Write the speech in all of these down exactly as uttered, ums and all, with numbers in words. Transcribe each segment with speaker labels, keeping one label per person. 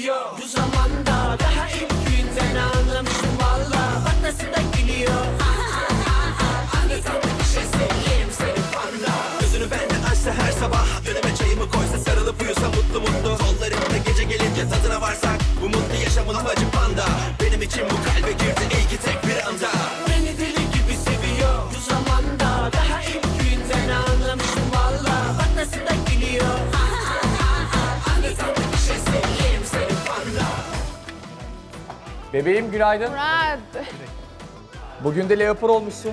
Speaker 1: seviyor. Bu zamanda daha ilk günden anlamıştım valla. Bak nasıl da gülüyor. Anlatamam bir şey seveyim seni panda. Gözünü benden açsa her sabah, önüme çayımı koysa sarılıp uyusa mutlu mutlu. Kollarımda gece gelince tadına varsak bu mutlu yaşamın amacı panda. Benim için bu kalbe girdi iyi ki tek bir anda. Beni deli gibi seviyor. Bu zamanda daha ilk günden anlamıştım valla. Bak nasıl da gülüyor. Anlatamam bir şey seveyim seni panda.
Speaker 2: Bebeğim günaydın.
Speaker 3: Murat.
Speaker 2: Bugün de leopar olmuşsun.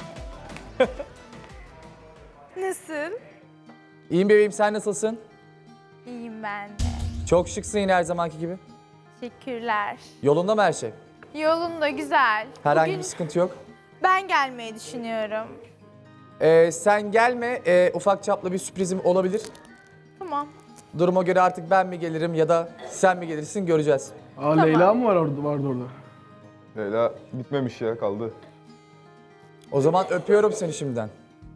Speaker 3: Nasıl?
Speaker 2: İyiyim bebeğim, sen nasılsın?
Speaker 3: İyiyim ben de.
Speaker 2: Çok şıksın yine her zamanki gibi.
Speaker 3: Teşekkürler.
Speaker 2: Yolunda mı her şey?
Speaker 3: Yolunda güzel.
Speaker 2: Herhangi
Speaker 3: Bugün
Speaker 2: bir sıkıntı yok.
Speaker 3: ben gelmeyi düşünüyorum.
Speaker 2: Ee, sen gelme, ee, ufak çaplı bir sürprizim olabilir.
Speaker 3: Tamam.
Speaker 2: Duruma göre artık ben mi gelirim ya da sen mi gelirsin göreceğiz.
Speaker 4: Aa, Leyla mı var orada, vardı orada?
Speaker 5: Leyla bitmemiş ya, kaldı.
Speaker 2: O zaman öpüyorum seni şimdiden.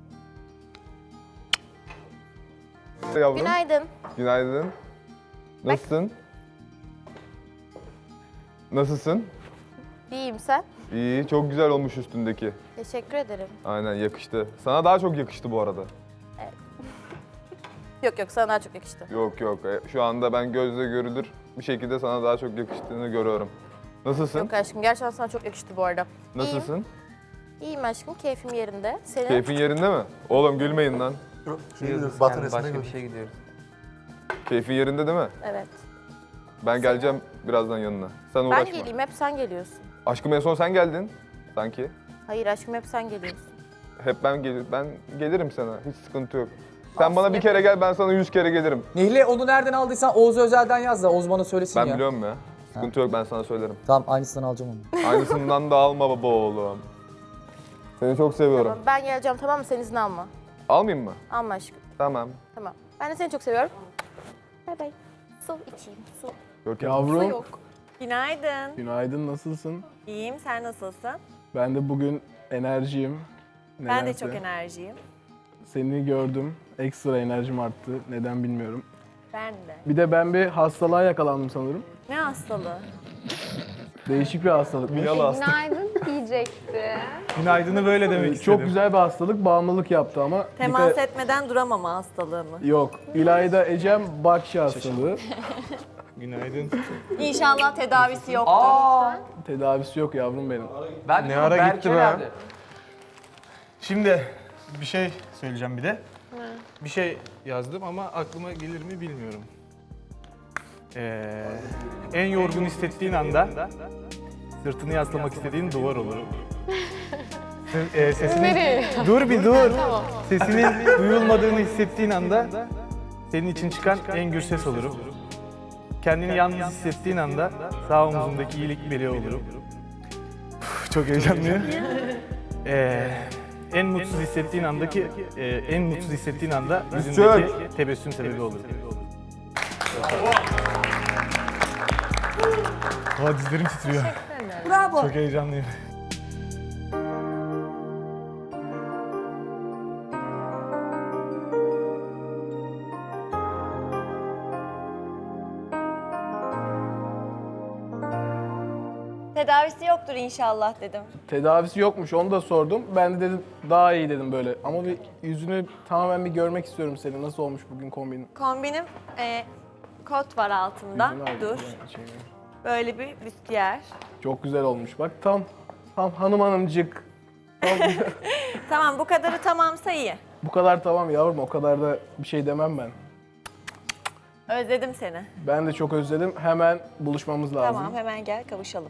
Speaker 5: Yavrum.
Speaker 6: Günaydın.
Speaker 5: Günaydın. Nasılsın? Nasılsın?
Speaker 6: İyiyim sen?
Speaker 5: İyi, çok güzel olmuş üstündeki.
Speaker 6: Teşekkür ederim.
Speaker 5: Aynen, yakıştı. Sana daha çok yakıştı bu arada.
Speaker 6: Yok yok sana daha çok yakıştı.
Speaker 5: Yok yok, e, şu anda ben gözle görülür bir şekilde sana daha çok yakıştığını görüyorum. Nasılsın?
Speaker 6: Yok aşkım gerçekten sana çok yakıştı bu arada.
Speaker 5: Nasılsın?
Speaker 6: İyiyim, İyiyim aşkım keyfim yerinde. Senin?
Speaker 5: Keyfin yerinde mi? Oğlum gülmeyin lan.
Speaker 7: Başka bir şey gidiyoruz.
Speaker 5: Keyfin yerinde değil mi?
Speaker 6: Evet.
Speaker 5: Ben geleceğim birazdan yanına. Sen
Speaker 6: Ben
Speaker 5: uğraşma.
Speaker 6: geleyim hep sen geliyorsun.
Speaker 5: Aşkım en son sen geldin sanki.
Speaker 6: Hayır aşkım hep sen geliyorsun.
Speaker 5: Hep ben gelir, ben gelirim sana. Hiç sıkıntı yok. Sen
Speaker 6: Olsun,
Speaker 5: bana bir kere
Speaker 6: yaparım.
Speaker 5: gel, ben sana yüz kere gelirim.
Speaker 2: Nihle onu nereden aldıysan Oğuz Özel'den yaz da Oğuz bana söylesin
Speaker 5: Ben
Speaker 2: ya.
Speaker 5: biliyorum ya. Sıkıntı yok, ben sana söylerim.
Speaker 2: Tamam, aynısından alacağım onu.
Speaker 5: Aynısından da alma baba oğlum. Seni çok seviyorum.
Speaker 6: Tamam ben geleceğim tamam mı? Sen izin alma.
Speaker 5: Almayayım mı?
Speaker 6: Alma aşkım.
Speaker 5: Tamam.
Speaker 6: Tamam. Ben de seni çok seviyorum. Bay bay. Su içeyim su.
Speaker 5: Görkem.
Speaker 6: Su
Speaker 4: Yavrum,
Speaker 6: yok.
Speaker 8: Günaydın.
Speaker 4: günaydın, nasılsın?
Speaker 8: İyiyim, sen nasılsın?
Speaker 4: Ben de bugün enerjiyim.
Speaker 8: Ben de
Speaker 4: Nedense.
Speaker 8: çok enerjiyim.
Speaker 4: Seni gördüm, ekstra enerjim arttı. Neden bilmiyorum.
Speaker 8: Ben de.
Speaker 4: Bir de ben bir hastalığa yakalandım sanırım.
Speaker 8: Ne hastalığı?
Speaker 4: Değişik bir hastalık.
Speaker 3: Günaydın diyecekti.
Speaker 9: Günaydın'ı böyle demek istedim.
Speaker 4: Çok güzel bir hastalık, bağımlılık yaptı ama.
Speaker 8: Temas
Speaker 4: dikkat-
Speaker 8: etmeden duramama hastalığı mı?
Speaker 4: Yok. İlayda Ecem Bakşi hastalığı.
Speaker 9: Günaydın.
Speaker 8: İnşallah tedavisi yoktur.
Speaker 2: Aa,
Speaker 4: Tedavisi yok yavrum benim.
Speaker 2: ben
Speaker 9: Ne ara
Speaker 2: Berke
Speaker 9: gitti be?
Speaker 2: nerede?
Speaker 9: Şimdi bir şey söyleyeceğim bir de. Bir şey yazdım ama aklıma gelir mi bilmiyorum. Ee, en yorgun hissettiğin anda sırtını yaslamak istediğin duvar olur. S- e, sesinin, dur bir dur. Sesinin duyulmadığını hissettiğin anda senin için çıkan en gür ses olurum. Kendini yalnız hissettiğin anda sağ omzundaki iyilik meleği olurum. Uf, çok heyecanlıyım. Ee, en mutsuz hissettiğin andaki, e, en mutsuz hissettiğin anda yüzündeki tebessüm sebebi olurum. Aa, dizlerim titriyor. Bravo. Çok heyecanlıyım.
Speaker 8: Tedavisi yoktur inşallah dedim.
Speaker 4: Tedavisi yokmuş, onu da sordum. Ben de dedim daha iyi dedim böyle. Ama bir yüzünü tamamen bir görmek istiyorum senin. Nasıl olmuş bugün kombinin?
Speaker 8: Kombinim e, kot var altında.
Speaker 4: Yüzünü al-
Speaker 8: Dur.
Speaker 4: Şey,
Speaker 8: Böyle bir büstiyer.
Speaker 4: Çok güzel olmuş. Bak tam, tam hanım hanımcık. Tam,
Speaker 8: Tamam bu kadarı tamamsa iyi.
Speaker 4: bu kadar tamam yavrum, o kadar da bir şey demem ben.
Speaker 8: Özledim seni.
Speaker 4: Ben de çok özledim. Hemen buluşmamız lazım.
Speaker 8: Tamam hemen gel kavuşalım.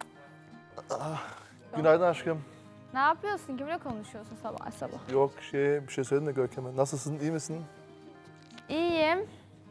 Speaker 10: Günaydın aşkım.
Speaker 3: Ne yapıyorsun? Kimle konuşuyorsun sabah sabah?
Speaker 10: Yok şey, bir şey söyledim de Görkem'e. Nasılsın, iyi misin?
Speaker 3: İyiyim.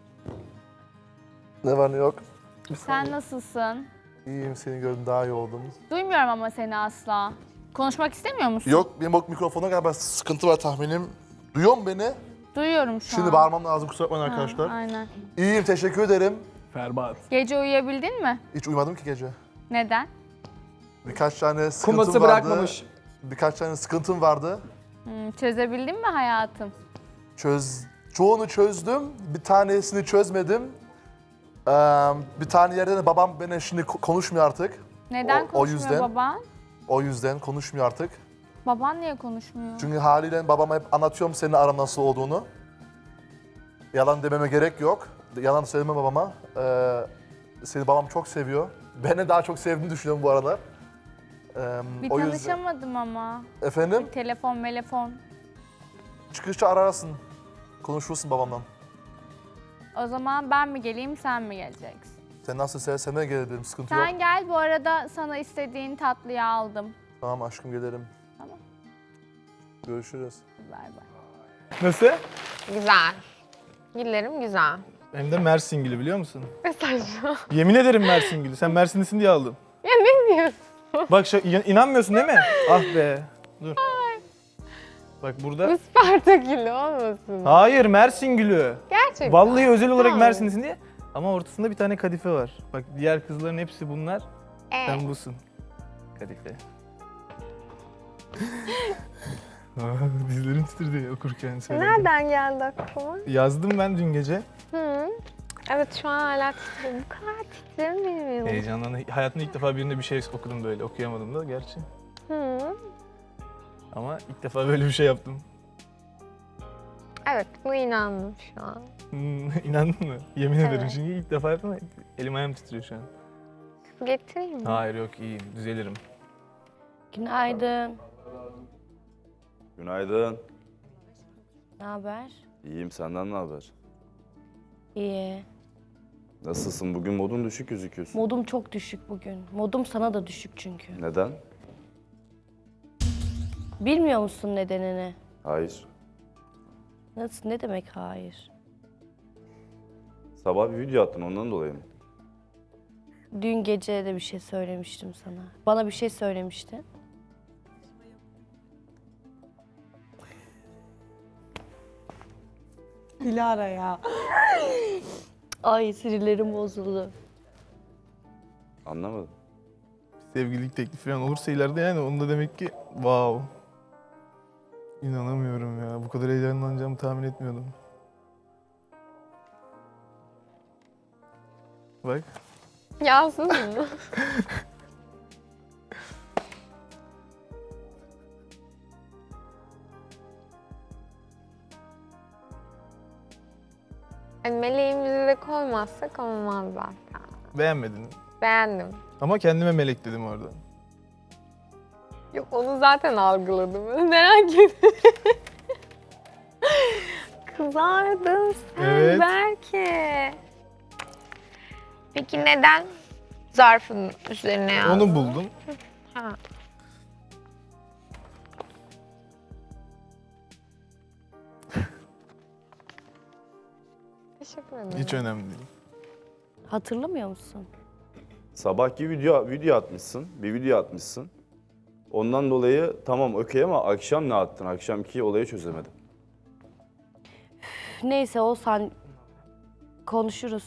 Speaker 10: Ne var ne yok?
Speaker 3: Sen nasılsın?
Speaker 10: İyiyim, seni gördüm, daha iyi oldum.
Speaker 3: Duymuyorum ama seni asla. Konuşmak istemiyor musun?
Speaker 10: Yok, benim bak mikrofona galiba sıkıntı var tahminim. Duyuyor mu beni?
Speaker 3: Duyuyorum şu
Speaker 10: Şimdi
Speaker 3: an.
Speaker 10: bağırmam lazım, kusura bakmayın
Speaker 3: Ha,
Speaker 10: arkadaşlar.
Speaker 3: aynen.
Speaker 10: İyiyim, teşekkür ederim.
Speaker 4: Ferbat.
Speaker 3: Gece uyuyabildin mi?
Speaker 10: Hiç uyumadım ki gece.
Speaker 3: Neden?
Speaker 10: Birkaç tane sıkıntım
Speaker 2: Kuması
Speaker 10: vardı.
Speaker 2: bırakmamış.
Speaker 10: Birkaç tane sıkıntım vardı.
Speaker 3: Hmm, çözebildin mi hayatım?
Speaker 10: Çöz, çoğunu çözdüm, bir tanesini çözmedim. Ee, bir tane yerde de babam beni şimdi ko- konuşmuyor artık.
Speaker 3: Neden
Speaker 10: O- o
Speaker 3: konuşmuyor
Speaker 10: yüzden-
Speaker 3: baban?
Speaker 10: O yüzden konuşmuyor artık.
Speaker 3: Baban niye konuşmuyor?
Speaker 10: Çünkü haliyle babama hep anlatıyorum senin aran nasıl olduğunu. Yalan dememe gerek yok. Yalan söyleme babama. Ee, seni babam çok seviyor. Beni daha çok sevdiğini düşünüyorum bu aralar. Ee,
Speaker 3: Bir
Speaker 10: o yüzden...
Speaker 3: tanışamadım ama.
Speaker 10: Efendim?
Speaker 3: Telefon, melefon.
Speaker 10: Çıkışta ararsın. Konuşursun babamla.
Speaker 3: O zaman ben mi geleyim, sen mi geleceksin?
Speaker 10: Sen nasıl seversen de gelebilirim. Sıkıntı yok.
Speaker 3: Sen gel, bu arada sana istediğin tatlıyı aldım.
Speaker 10: Tamam aşkım gelirim.
Speaker 3: Tamam.
Speaker 10: Görüşürüz.
Speaker 3: Bay bay.
Speaker 9: Nasıl?
Speaker 11: Güzel. Güllerim güzel.
Speaker 9: Hem de Mersin gülü biliyor musun?
Speaker 11: Ne saçma.
Speaker 9: Yemin ederim Mersin gülü. Sen Mersinlisin diye aldım.
Speaker 11: Ya ne diyorsun?
Speaker 9: Bak şu, inan- inanmıyorsun değil mi? Ah be. Dur. Bak burada.
Speaker 11: Isparta gülü olmasın?
Speaker 9: Hayır Mersin gülü.
Speaker 11: Gerçekten.
Speaker 9: Vallahi özel olarak
Speaker 11: Hayır.
Speaker 9: Mersinlisin diye. Ama ortasında bir tane kadife var. Bak diğer kızların hepsi bunlar.
Speaker 11: Ee,
Speaker 9: Sen busun. Kadife. Dizlerim titredi okurken söyledim.
Speaker 11: nereden geldi aklıma?
Speaker 9: Yazdım ben dün gece.
Speaker 11: Hı. Evet şu an hala titriyorum. Bu kadar titremiyorum.
Speaker 9: Heyecandan. Hayatımda ilk defa birinde bir şey okudum böyle. Okuyamadım da gerçi.
Speaker 11: Hı.
Speaker 9: Ama ilk defa böyle bir şey yaptım.
Speaker 11: Evet buna inandım şu an.
Speaker 9: Hmm, İnandın mı? Yemin ederim
Speaker 11: Evet.
Speaker 9: çünkü ilk defa yaptım. Elim ayağım titriyor şu an.
Speaker 11: Su getireyim mi?
Speaker 9: Hayır yok iyiyim. Düzelirim.
Speaker 6: Günaydın.
Speaker 12: Günaydın.
Speaker 6: Ne haber?
Speaker 12: İyiyim, senden ne haber?
Speaker 6: İyi.
Speaker 12: Nasılsın? Bugün modun düşük gözüküyorsun.
Speaker 6: Modum çok düşük bugün. Modum sana da düşük çünkü.
Speaker 12: Neden?
Speaker 6: Bilmiyor musun nedenini?
Speaker 12: Hayır.
Speaker 6: Nasıl, ne demek hayır?
Speaker 12: Sabah bir video attın, ondan dolayı mı?
Speaker 6: Dün gece de bir şey söylemiştim sana. Bana bir şey söylemiştin. Dilara ya. Ay sinirlerim bozuldu.
Speaker 12: Anlamadım.
Speaker 9: Sevgililik teklifi falan olursa ileride yani onda demek ki wow. İnanamıyorum ya. Bu kadar heyecanlanacağımı tahmin etmiyordum. Bak.
Speaker 11: Yazdın mı? Yani meleğimizi de koymazsak olmaz zaten.
Speaker 9: Beğenmedin.
Speaker 11: Beğendim.
Speaker 9: Ama kendime melek dedim orada.
Speaker 11: Yok onu zaten algıladım. Merak ettim. Kızardın sen
Speaker 9: Evet.
Speaker 11: belki. Peki neden zarfın üzerine yazdın?
Speaker 9: Onu buldum.
Speaker 11: Ha. Teşekkür ederim.
Speaker 9: Hiç önemli değil.
Speaker 6: Hatırlamıyor musun?
Speaker 12: Sabahki video video atmışsın, bir video atmışsın. Ondan dolayı tamam okey ama akşam ne attın? Akşamki olayı çözemedim.
Speaker 6: Üf, neyse Oğuzhan, konuşuruz.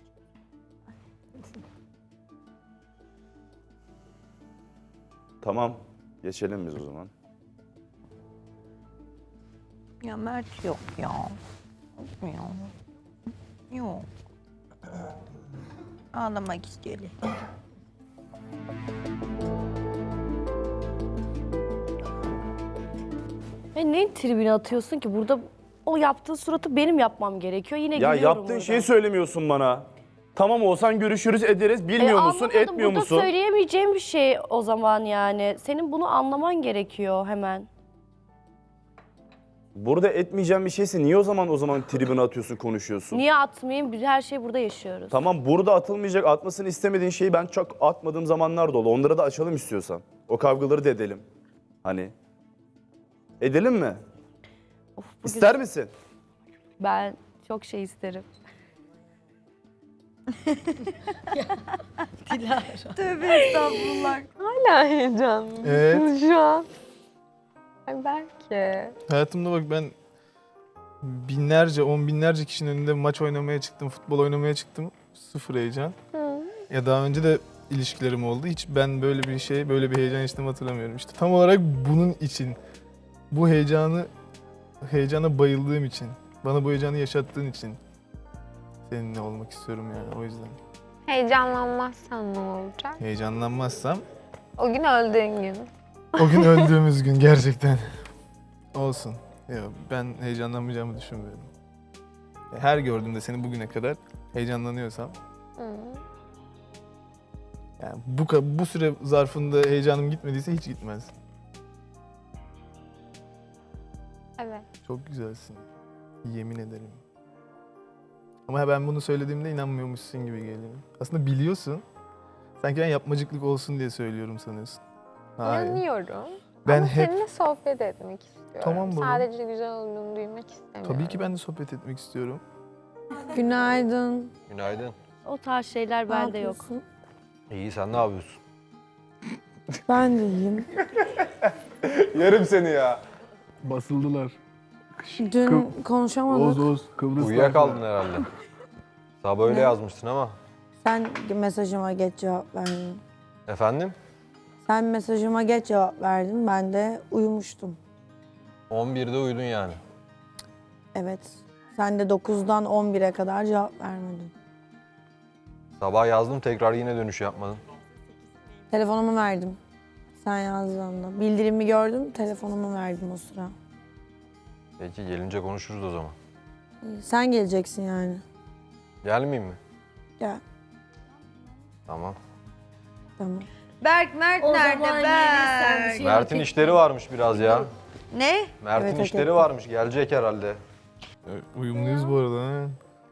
Speaker 12: Tamam, geçelim biz o zaman.
Speaker 8: Ya Mert yok ya. Yok. Yok. Ağlamak istiyorum.
Speaker 6: E ne tribine atıyorsun ki? Burada o yaptığın suratı benim yapmam gerekiyor. Yine
Speaker 12: Ya
Speaker 6: gülüyorum
Speaker 12: yaptığın
Speaker 6: burada.
Speaker 12: şeyi söylemiyorsun bana. Tamam olsan görüşürüz ederiz. Bilmiyor
Speaker 6: E,
Speaker 12: musun,
Speaker 6: anlamadım.
Speaker 12: etmiyor
Speaker 6: Burada
Speaker 12: musun?
Speaker 6: söyleyemeyeceğim bir şey o zaman yani. Senin bunu anlaman gerekiyor hemen.
Speaker 12: Burada etmeyeceğim bir şeyse niye o zaman o zaman tribüne atıyorsun, konuşuyorsun?
Speaker 6: Niye atmayayım? Biz her şeyi burada yaşıyoruz.
Speaker 12: Tamam burada atılmayacak, atmasını istemediğin şeyi ben çok atmadığım zamanlar da oldu. Onları da açalım istiyorsan. O kavgaları da edelim. Hani. Edelim mi?
Speaker 6: Of, bugün
Speaker 12: İster misin?
Speaker 6: Ben çok şey isterim.
Speaker 8: Tövbe estağfurullah.
Speaker 11: Hala heyecanlısın
Speaker 9: Evet.
Speaker 11: şu an. Ay belki.
Speaker 9: Hayatımda bak ben binlerce, on binlerce kişinin önünde maç oynamaya çıktım, futbol oynamaya çıktım. Sıfır heyecan.
Speaker 11: Hı.
Speaker 9: Ya daha önce de ilişkilerim oldu. Hiç ben böyle bir şey, böyle bir heyecan yaşadığımı hatırlamıyorum. İşte tam olarak bunun için, bu heyecanı, heyecana bayıldığım için, bana bu heyecanı yaşattığın için seninle olmak istiyorum yani o yüzden.
Speaker 11: Heyecanlanmazsan ne olacak?
Speaker 9: Heyecanlanmazsam
Speaker 11: O gün öldüğün gün.
Speaker 9: o gün öldüğümüz gün gerçekten olsun. Ya ben heyecanlanmayacağımı düşünmüyorum. Her gördüğümde seni bugüne kadar heyecanlanıyorsam
Speaker 11: Hı.
Speaker 9: yani bu ka- bu süre zarfında heyecanım gitmediyse hiç gitmez.
Speaker 11: Evet.
Speaker 9: Çok güzelsin. Yemin ederim. Ama ben bunu söylediğimde inanmıyormuşsun gibi geliyor. Aslında biliyorsun. Sanki ben yapmacıklık olsun diye söylüyorum sanıyorsun. Hayır.
Speaker 11: İnanıyorum.
Speaker 9: Ben
Speaker 11: Ama
Speaker 9: hep
Speaker 11: seninle sohbet etmek istiyorum.
Speaker 9: Tamam baba.
Speaker 11: Sadece güzel olduğunu duymak istemiyorum.
Speaker 9: tabii ki ben de sohbet etmek istiyorum.
Speaker 8: Günaydın.
Speaker 13: Günaydın.
Speaker 8: O tarz şeyler bende yok.
Speaker 13: İyi, sen ne yapıyorsun?
Speaker 8: Ben de iyiyim.
Speaker 5: Yerim seni ya.
Speaker 4: Basıldılar.
Speaker 8: Dün konuşamadık.
Speaker 4: Oğuz Oğuz Kıbrıs'ta.
Speaker 13: Uyuyakaldın herhalde. Sabah öyle yazmıştın ama.
Speaker 8: Sen mesajıma geç cevap verdin.
Speaker 13: Efendim?
Speaker 8: Sen mesajıma geç cevap verdin. Ben de uyumuştum.
Speaker 13: on birde uyudun yani.
Speaker 8: Evet. Sen de dokuzdan on bire kadar cevap vermedin.
Speaker 13: Sabah yazdım, tekrar yine dönüş yapmadın.
Speaker 8: Telefonumu verdim. Sen yazdığında. Bildirimi gördüm, telefonumu verdim o sıra.
Speaker 13: Peki, gelince konuşuruz o zaman.
Speaker 8: Sen geleceksin yani.
Speaker 13: Gelmeyeyim mi?
Speaker 8: Gel.
Speaker 13: Tamam.
Speaker 8: Tamam. Berk, Mert nerede Berk?
Speaker 13: Mert'in işleri varmış biraz ya.
Speaker 8: Ne?
Speaker 13: Mert'in
Speaker 8: Evet, hak
Speaker 13: işleri
Speaker 8: ettim.
Speaker 13: varmış, gelecek herhalde.
Speaker 9: Uyumluyuz bu arada ha.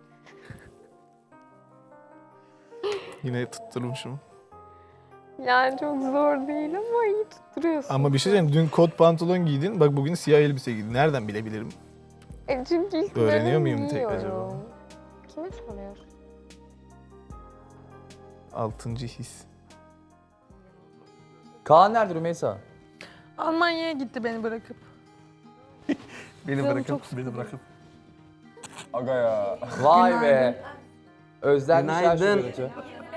Speaker 9: Yine tutturmuşum.
Speaker 11: Yani çok zor değil ama iyi tutturuyorsun.
Speaker 9: Ama bir şey diyeyim, dün kot pantolon giydin, bak bugün siyah elbise giydin. Nereden bilebilirim?
Speaker 11: E çünkü ilk
Speaker 9: Öğreniyor
Speaker 11: dönem
Speaker 9: muyum tek
Speaker 11: giyiyorum.
Speaker 9: acaba?
Speaker 11: Kime soruyorsun?
Speaker 9: Altıncı his.
Speaker 2: Kaan nerede Rümeysa?
Speaker 8: Almanya'ya gitti beni bırakıp.
Speaker 9: Beni bırakıp.
Speaker 10: Beni bırakıp.
Speaker 5: Aga ya.
Speaker 2: Vay be. Özlenmişler şu
Speaker 7: Günaydın.
Speaker 2: görüntü.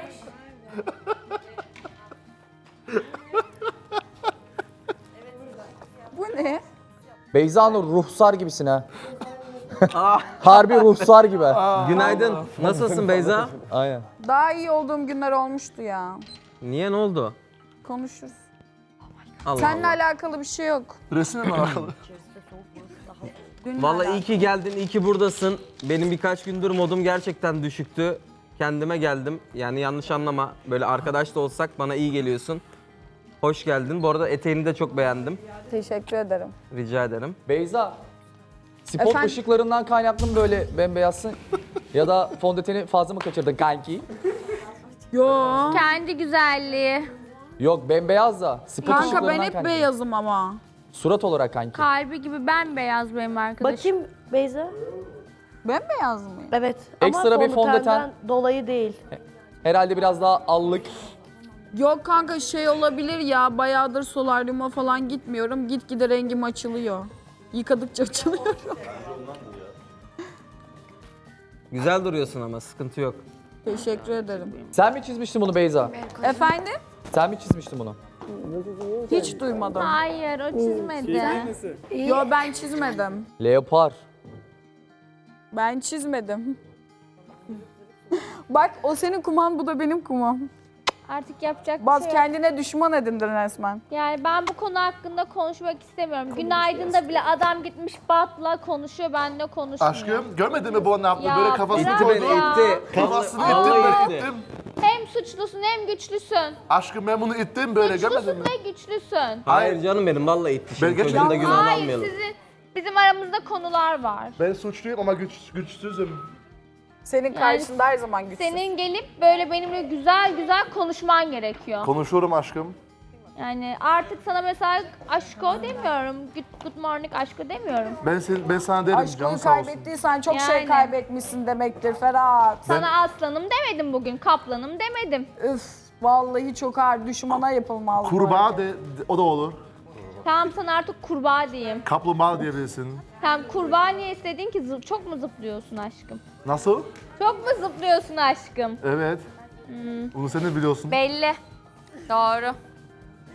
Speaker 8: Bu ne?
Speaker 2: Beyza Nur ruhsar gibisin ha. Harbi ruhsar gibi.
Speaker 7: Günaydın. Nasılsın Beyza?
Speaker 2: Aynen.
Speaker 8: Daha iyi olduğum günler olmuştu ya.
Speaker 7: Niye, ne oldu?
Speaker 8: Konuşuruz.
Speaker 7: Allah
Speaker 8: Seninle
Speaker 7: Allah.
Speaker 8: alakalı bir şey yok.
Speaker 10: Resimle alakalı.
Speaker 7: Vallahi iyi ki geldin, iyi ki buradasın. Benim birkaç gündür modum gerçekten düşüktü. Kendime geldim. Yani yanlış anlama. Böyle arkadaş da olsak bana iyi geliyorsun. Hoş geldin. Bu arada eteğini de çok beğendim.
Speaker 8: Teşekkür ederim.
Speaker 7: Rica ederim.
Speaker 2: Beyza. Spot
Speaker 8: Efendim?
Speaker 2: ışıklarından kaynaklı mı böyle bembeyazsın? Ya da fondöteni fazla mı kaçırdın kanki?
Speaker 8: Yo.
Speaker 3: Kendi güzelliği.
Speaker 2: Yok bembeyaz da. Spot
Speaker 8: Kanka ben
Speaker 2: ışıklarından
Speaker 8: hep
Speaker 2: kaynaklı.
Speaker 8: beyazım ama.
Speaker 2: Surat olarak kanki.
Speaker 3: Kalbi gibi bembeyaz benim arkadaşım.
Speaker 14: Bakayım Beyza.
Speaker 8: Ben beyaz mıyım?
Speaker 14: Evet.
Speaker 2: Ekstra bir fondöten.
Speaker 14: dolayı değil.
Speaker 2: Herhalde biraz daha allık.
Speaker 8: Yok kanka şey olabilir ya. Bayağıdır solaryuma falan gitmiyorum. Gitgide rengim açılıyor. Yıkadıkça açılıyor.
Speaker 7: Güzel duruyorsun ama sıkıntı yok.
Speaker 8: Teşekkür ederim.
Speaker 2: Sen mi çizmiştin bunu Beyza?
Speaker 8: Efendim?
Speaker 2: Sen mi çizmiştin bunu?
Speaker 8: Hiç duymadım.
Speaker 3: Hayır o çizmedi.
Speaker 8: Yo ben çizmedim.
Speaker 2: Leopar.
Speaker 8: Ben çizmedim. Bak o senin kuman, bu da benim kumam.
Speaker 3: Artık yapacak bir
Speaker 8: Baz
Speaker 3: şey yok.
Speaker 8: kendine düşman edindin resmen.
Speaker 3: Yani ben bu konu hakkında konuşmak istemiyorum. Günaydın'da bile adam gitmiş Bat'la konuşuyor, benimle konuşmuyor.
Speaker 10: Aşkım görmedin mi bu ne yaptı?
Speaker 3: Ya
Speaker 10: Böyle kafasını
Speaker 3: bırak
Speaker 10: koydu.
Speaker 3: ya.
Speaker 10: Kafasını
Speaker 7: Vallahi
Speaker 10: ittim
Speaker 7: itti.
Speaker 10: böyle ittim.
Speaker 3: Hem suçlusun hem güçlüsün.
Speaker 10: Aşkım ben bunu ittim böyle görmedin
Speaker 3: Suçlusun
Speaker 10: mi?
Speaker 3: ve güçlüsün.
Speaker 7: Hayır canım benim, vallahi itti. Şimdi
Speaker 10: Ben geç-
Speaker 7: çocuğun da
Speaker 10: Ya
Speaker 7: günahını
Speaker 3: Hayır
Speaker 7: almayalım.
Speaker 3: sizin, bizim aramızda konular var.
Speaker 10: Ben suçluyum ama güç, güçsüzüm.
Speaker 8: Senin karşında her zaman güçsüz.
Speaker 3: Senin gelip böyle benimle güzel güzel konuşman gerekiyor.
Speaker 10: Konuşurum aşkım.
Speaker 3: Yani artık sana mesela aşko demiyorum. Good, good morning aşko demiyorum.
Speaker 10: Ben sen, ben sana derim
Speaker 8: Aşkını
Speaker 10: canım sağ olsun.
Speaker 8: kaybettiysen çok şey
Speaker 3: Yani.
Speaker 8: kaybetmişsin demektir Ferhat.
Speaker 3: Sana aslanım demedim bugün, kaplanım demedim.
Speaker 8: Üf, vallahi çok ağır düşmana yapılmaz. bu
Speaker 10: Kurbağa
Speaker 8: hareket.
Speaker 10: de, de- o da olur.
Speaker 3: Tamam sana artık kurbağa diyeyim.
Speaker 10: Kaplumbağa diyebilirsin.
Speaker 3: Tamam kurbağa niye istedin ki? Zıp, çok mu zıplıyorsun aşkım?
Speaker 10: Nasıl?
Speaker 3: Çok mu zıplıyorsun aşkım?
Speaker 10: Evet.
Speaker 3: Hmm.
Speaker 10: Bunu sen de biliyorsun.
Speaker 3: Belli. Doğru.